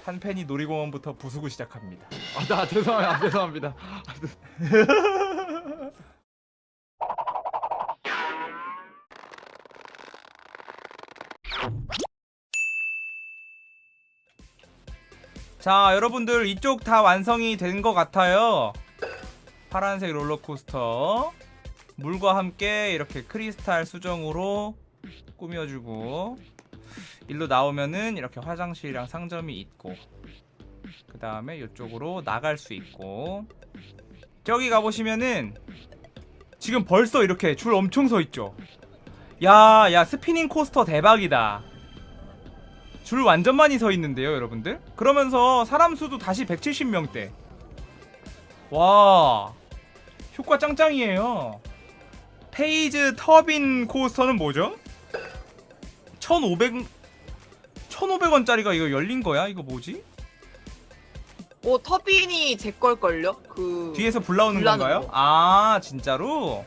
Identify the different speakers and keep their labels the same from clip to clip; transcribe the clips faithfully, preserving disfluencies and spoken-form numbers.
Speaker 1: 한펜이 놀이공원부터 부수고 시작합니다.
Speaker 2: 아, 나 죄송합니다. 아, 죄송합니다.
Speaker 1: 자, 여러분들 이쪽 다 완성이 된 것 같아요. 파란색 롤러코스터 물과 함께 이렇게 크리스탈 수정으로 꾸며주고, 일로 나오면은 이렇게 화장실이랑 상점이 있고, 그 다음에 이쪽으로 나갈 수 있고, 저기 가보시면은 지금 벌써 이렇게 줄 엄청 서있죠. 야, 야, 스피닝 코스터 대박이다. 줄 완전 많이 서있는데요 여러분들. 그러면서 사람 수도 다시 백칠십 명대. 와, 효과 짱짱이에요. 페이즈 터빈 코스터는 뭐죠? 천오백 천오백 원짜리가 이거 열린거야? 이거 뭐지?
Speaker 3: 오, 터빈이 제 걸걸요? 그
Speaker 1: 뒤에서 불 나오는
Speaker 3: 불 나는
Speaker 1: 건가요?
Speaker 3: 거.
Speaker 1: 아, 진짜로?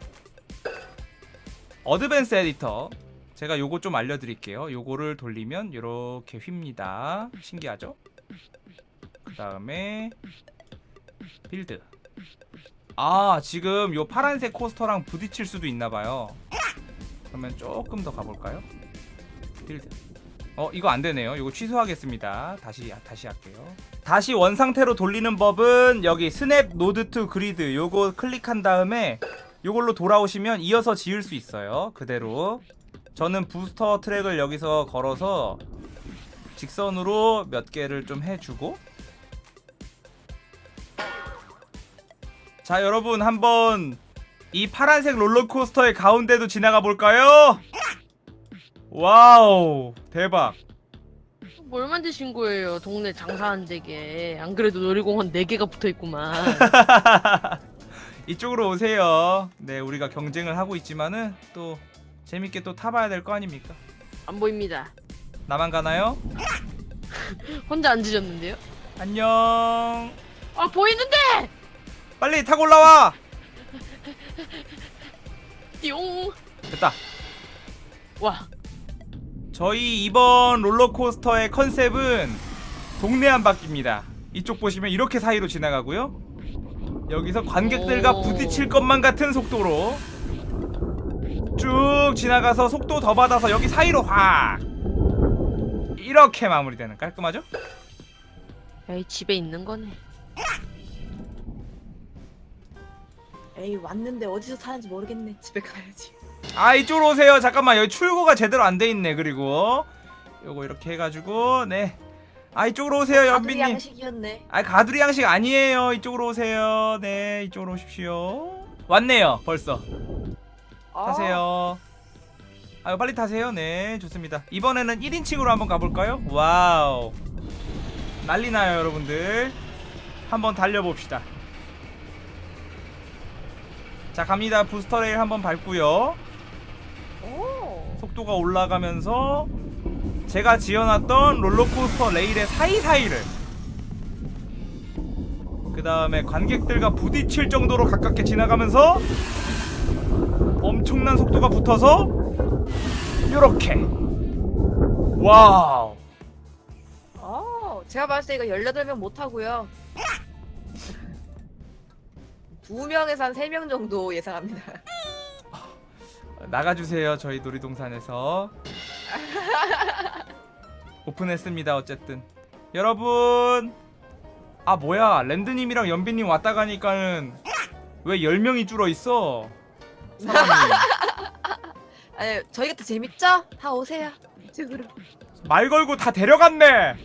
Speaker 1: 어드밴스 에디터, 제가 요거 좀 알려드릴게요. 요거를 돌리면 요렇게 휩니다. 신기하죠? 그 다음에 빌드. 아, 지금 요 파란색 코스터랑 부딪힐 수도 있나봐요. 그러면 조금 더 가볼까요? 빌드. 어, 이거 안되네요. 이거 취소하겠습니다. 다시 다시 할게요. 다시 원상태로 돌리는 법은 여기 스냅 노드 투 그리드 요거 클릭한 다음에 요걸로 돌아오시면 이어서 지을 수 있어요. 그대로. 저는 부스터 트랙을 여기서 걸어서 직선으로 몇 개를 좀 해주고, 자, 여러분 한번 이 파란색 롤러코스터의 가운데도 지나가 볼까요? 와우, 대박.
Speaker 4: 뭘 만드신 거예요? 동네 장사한 데게. 안 그래도 놀이공원 네 개가 붙어있구만.
Speaker 1: 이쪽으로 오세요. 네, 우리가 경쟁을 하고 있지만은 또 재밌게 또 타봐야 될 거 아닙니까?
Speaker 4: 안 보입니다.
Speaker 1: 나만 가나요?
Speaker 4: 혼자 앉으셨는데요?
Speaker 1: 안녕.
Speaker 4: 아, 보이는데!
Speaker 1: 빨리 타고 올라와.
Speaker 4: 띠용!
Speaker 1: 됐다.
Speaker 4: 와,
Speaker 1: 저희 이번 롤러코스터의 컨셉은 동네 한 바퀴입니다. 이쪽 보시면 이렇게 사이로 지나가고요. 여기서 관객들과
Speaker 4: 오.
Speaker 1: 부딪힐 것만 같은 속도로 쭉 지나가서 속도 더 받아서 여기 사이로 확 이렇게 마무리되는, 깔끔하죠?
Speaker 4: 에이, 집에 있는 거네.
Speaker 3: 에이, 왔는데 어디서 타는지 모르겠네. 집에 가야지.
Speaker 1: 아, 이쪽으로 오세요. 잠깐만, 여기 출구가 제대로 안 돼 있네. 그리고 요거 이렇게 해가지고, 네. 아, 이쪽으로 오세요
Speaker 3: 아들
Speaker 1: 연비님.
Speaker 3: 양식이었네.
Speaker 1: 아, 가두리 양식 아니에요. 이쪽으로 오세요. 네, 이쪽으로 오십시오. 왔네요 벌써.
Speaker 3: 아,
Speaker 1: 타세요. 아유, 빨리 타세요. 네, 좋습니다. 이번에는 일 인칭으로 한번 가볼까요? 와우, 난리나요 여러분들. 한번 달려봅시다. 자, 갑니다. 부스터 레일 한번 밟고요.
Speaker 3: 오.
Speaker 1: 속도가 올라가면서 제가 지어놨던 롤러코스터 레일의 사이사이를, 그 다음에 관객들과 부딪힐 정도로 가깝게 지나가면서 엄청난 속도가 붙어서 요렇게. 와우.
Speaker 3: 어, 제가 봤을 때 이거 열여덟 명 못 하고요. 두 명에서 한 세 명 정도 예상합니다.
Speaker 1: 나가주세요. 저희 놀이동산에서 오픈했습니다. 어쨌든 여러분, 아 뭐야, 랜드님이랑 연비님 왔다 가니까는 왜 열 명이 줄어있어 사람이.
Speaker 3: 아니, 저희가 더 재밌죠? 다 오세요. 이쪽으로.
Speaker 1: 말 걸고 다 데려갔네.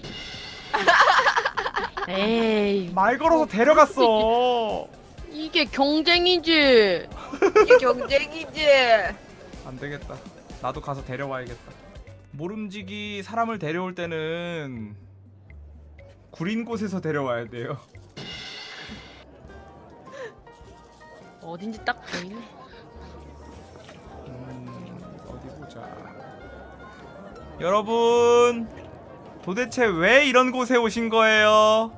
Speaker 4: 에이,
Speaker 1: 말 걸어서 데려갔어.
Speaker 4: 이게 경쟁이지.
Speaker 3: 이게 경쟁이지.
Speaker 1: 안되겠다. 나도 가서 데려와야겠다. 모름지기 사람을 데려올 때는 구린 곳에서 데려와야 돼요.
Speaker 4: 어딘지 딱 보이네.
Speaker 1: 음, 어디 보자. 여러분, 도대체 왜 이런 곳에 오신 거예요?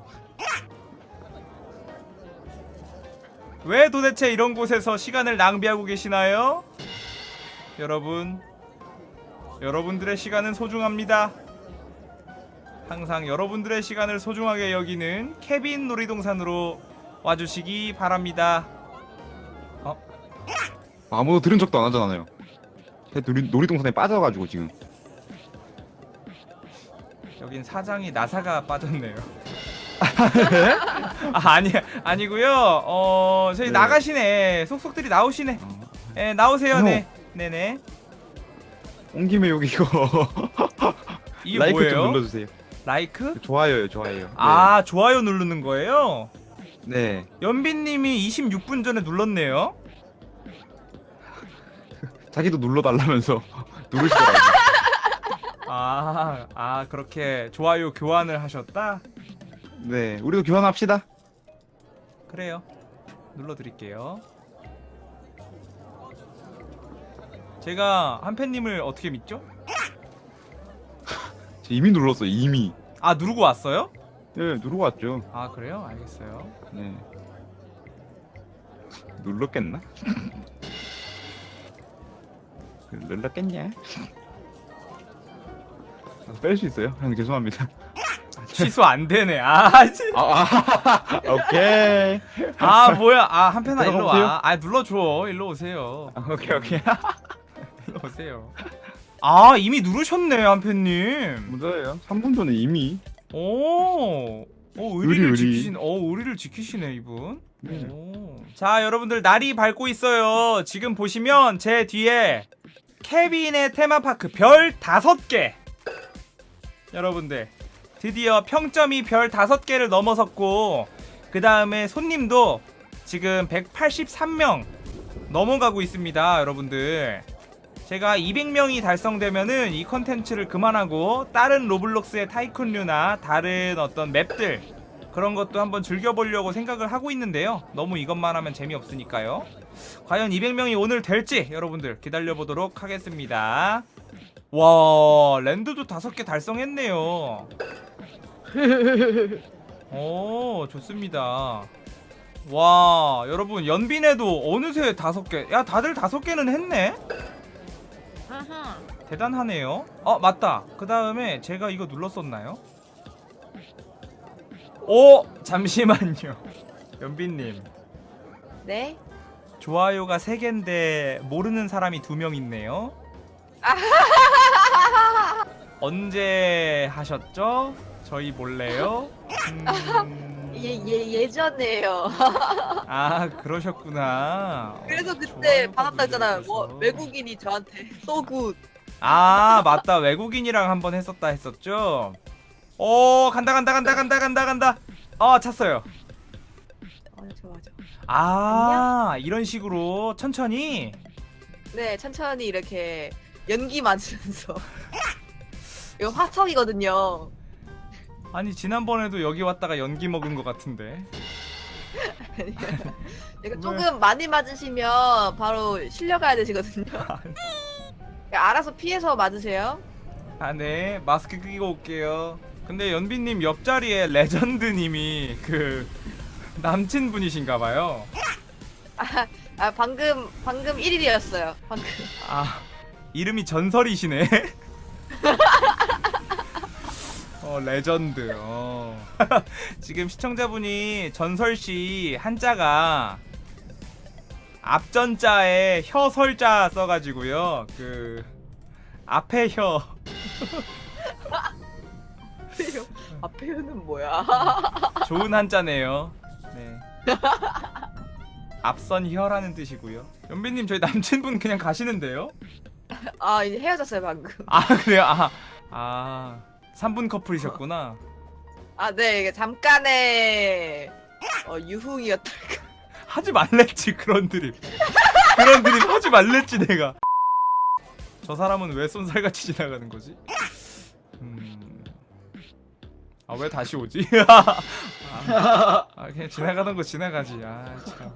Speaker 1: 왜 도대체 이런 곳에서 시간을 낭비하고 계시나요? 여러분, 여러분들의 시간은 소중합니다. 항상 여러분들의 시간을 소중하게 여기는 케빈 놀이동산으로 와주시기 바랍니다.
Speaker 2: 아무도 들은 적도 안 하잖아요. 제 놀이, 놀이동산에 빠져가지고 지금.
Speaker 1: 여긴 사장이 나사가 빠졌네요. 아, 아니 아니고요. 어 저희
Speaker 2: 네.
Speaker 1: 나가시네. 속속들이 나오시네.
Speaker 2: 어.
Speaker 1: 예, 나오세요.
Speaker 2: 형.
Speaker 1: 네, 네네.
Speaker 2: 온 김에 여기 이거
Speaker 1: 이게
Speaker 2: 라이크
Speaker 1: 뭐예요?
Speaker 2: 좀 눌러주세요.
Speaker 1: 라이크?
Speaker 2: 좋아요요, 좋아요.
Speaker 1: 아, 좋아요 누르는 거예요?
Speaker 2: 네.
Speaker 1: 연빈님이 이십육 분 전에 눌렀네요.
Speaker 2: 자기도 눌러달라면서 누르시더라고요.
Speaker 1: 아, 아 그렇게 좋아요 교환을 하셨다?
Speaker 2: 네, 우리도 교환합시다.
Speaker 1: 그래요. 눌러드릴게요. 제가 한팬님을 어떻게 믿죠?
Speaker 2: 저 이미 눌렀어요, 이미.
Speaker 1: 아, 누르고 왔어요?
Speaker 2: 네, 누르고 왔죠.
Speaker 1: 아, 그래요? 알겠어요.
Speaker 2: 네. 눌렀겠나? 눌렀겠냐? 뺄 수 있어요? 형 죄송합니다.
Speaker 1: 취소 안 되네. 아, 진-
Speaker 2: 아, 아 오케이.
Speaker 1: 아 뭐야? 아, 한팬아 일로
Speaker 2: 들어가
Speaker 1: 와. 아, 눌러줘. 일로 오세요.
Speaker 2: 아, 오케이 오케이.
Speaker 1: 일로 오세요. 아, 이미 누르셨네, 한팬님.
Speaker 2: 뭐예요? 삼 분 전에 이미.
Speaker 1: 오, 오 의리를
Speaker 2: 의리, 의리.
Speaker 1: 지키신, 어 의리를 지키시네 이분.
Speaker 2: 네.
Speaker 1: 오. 자, 여러분들 날이 밝고 있어요. 지금 보시면 제 뒤에 케빈의 테마파크 별 다섯 개. 여러분들 드디어 평점이 별 다섯 개를 넘어섰고 그 다음에 손님도 지금 백팔십삼 명 넘어가고 있습니다. 여러분들 제가 이백 명이 달성되면은 이 컨텐츠를 그만하고 다른 로블록스의 타이쿤류나 다른 어떤 맵들 그런 것도 한번 즐겨보려고 생각을 하고 있는데요. 너무 이것만 하면 재미없으니까요. 과연 이백 명이 오늘 될지 여러분들 기다려보도록 하겠습니다. 와, 랜드도 다섯 개 달성했네요. 오, 좋습니다. 와, 여러분 연빈에도 어느새 다섯 개. 야, 다들 다섯 개는 했네.
Speaker 4: 아하.
Speaker 1: 대단하네요. 어, 맞다. 그 다음에 제가 이거 눌렀었나요? 오, 잠시만요. 연빈님,
Speaker 3: 네?
Speaker 1: 좋아요가 세 개인데 모르는 사람이 두 명 있네요. 언제 하셨죠? 저희 몰래요? 음...
Speaker 3: 예, 예, 예전에요.
Speaker 1: 아, 그러셨구나.
Speaker 3: 그래서
Speaker 1: 어,
Speaker 3: 그때
Speaker 1: 좋아요가
Speaker 3: 받았다 했잖아요.
Speaker 1: 눌려있어서.
Speaker 3: 뭐 외국인이 저한테 소굿.
Speaker 1: 아, 맞다. 외국인이랑 한번 했었다 했었죠? 오, 간다 간다 간다 간다 간다 간다. 어, 찼어요.
Speaker 3: 아, 좋아, 좋아.
Speaker 1: 아, 이런 식으로 천천히.
Speaker 3: 네, 천천히 이렇게 연기 맞으면서. 이거 화석이거든요.
Speaker 1: 아니, 지난번에도 여기 왔다가 연기 먹은 것 같은데.
Speaker 3: 이거
Speaker 1: 왜?
Speaker 3: 조금 많이 맞으시면 바로 실려가야 되시거든요. 알아서 피해서 맞으세요.
Speaker 1: 아, 네. 마스크 끼고 올게요. 근데 연빈님 옆자리에 레전드님이 그 남친분이신가봐요.
Speaker 3: 아, 아 방금 방금 일 일이었어요. 방금.
Speaker 1: 아, 이름이 전설이시네. 어, 레전드. 어. 지금 시청자분이 전설씨 한자가 앞전자에 혀설자 써가지고요. 그 앞에 혀.
Speaker 3: 앞에는 뭐야?
Speaker 1: 좋은 한자네요. 네. 앞선 혀라는 뜻이고요. 연빈님, 저희 남친분 그냥 가시는데요?
Speaker 3: 아 이제 헤어졌어요 방금.
Speaker 1: 아, 그래요? 아, 아, 삼 분 커플이셨구나.
Speaker 3: 아 네 이게 잠깐의 어, 유흥이었달까.
Speaker 1: 하지 말랬지, 그런 드립. 그런 드립 하지 말랬지, 내가. 저 사람은 왜 쏜살같이 지나가는 거지? 음... 아, 왜 다시 오지? 아, 아, 그냥 지나가던 거 지나가지. 아, 참.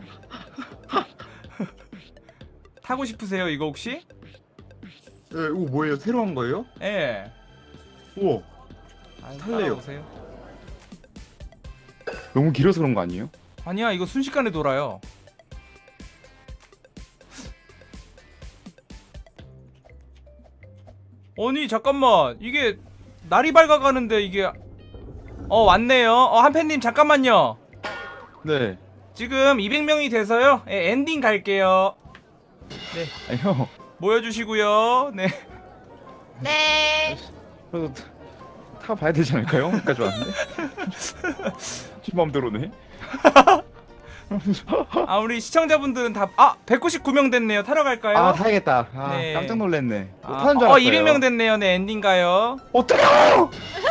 Speaker 1: 타고 싶으세요, 이거 혹시?
Speaker 2: 네, 이거 뭐예요? 새로 한 거예요?
Speaker 1: 예.
Speaker 2: 우와,
Speaker 1: 아,
Speaker 2: 탈래요.
Speaker 1: 따라오세요.
Speaker 2: 너무 길어서 그런 거 아니에요?
Speaker 1: 아니야, 이거 순식간에 돌아요. 아니, 잠깐만. 이게 날이 밝아가는데 이게 어 왔네요. 어 한팬님 잠깐만요.
Speaker 2: 네.
Speaker 1: 지금 이백 명이 돼서요. 예, 엔딩 갈게요.
Speaker 2: 아니 형.
Speaker 1: 모여주시고요. 네.
Speaker 3: 네.
Speaker 2: 그래도 타 봐야 되지 않을까요? 여기까지 왔는데. 지 마음대로네.
Speaker 1: 아 우리 시청자분들은 다 아 백구십구 명 됐네요. 타러 갈까요?
Speaker 2: 아 타야겠다. 아
Speaker 1: 네.
Speaker 2: 깜짝 놀랐네. 못
Speaker 1: 아,
Speaker 2: 타는 줄
Speaker 1: 어
Speaker 2: 알았어요.
Speaker 1: 이백 명 됐네요. 네 엔딩 가요.
Speaker 2: 어떡해요?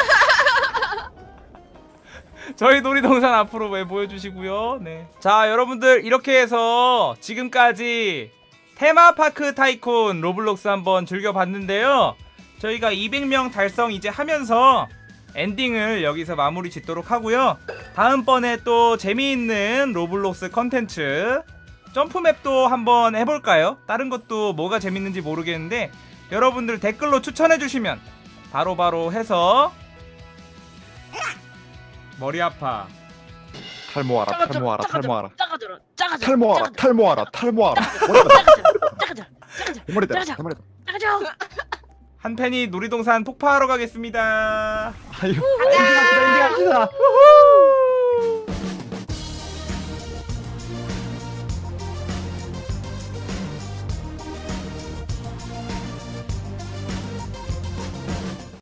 Speaker 1: 저희 놀이동산 앞으로 왜 보여주시고요. 네. 자 여러분들 이렇게 해서 지금까지 테마파크 타이쿤 로블록스 한번 즐겨봤는데요. 저희가 이백 명 달성 이제 하면서 엔딩을 여기서 마무리 짓도록 하고요. 다음번에 또 재미있는 로블록스 컨텐츠 점프맵도 한번 해볼까요? 다른 것도 뭐가 재밌는지 모르겠는데 여러분들 댓글로 추천해주시면 바로바로 해서 머리 아파.
Speaker 2: 탈모하라. 탈모하라. 탈모하라.
Speaker 4: 작아져라 작아져라
Speaker 2: 탈모하라. 탈모하라. 탈모하라.
Speaker 4: 작아져라 작아져라
Speaker 2: 대머리다.
Speaker 4: 작아져.
Speaker 2: 대머리다.
Speaker 4: 작아져.
Speaker 1: 한팬이 놀이동산 폭파하러 가겠습니다.
Speaker 2: 아유. 엔딩합시다. 엔딩합시다.
Speaker 1: 우후!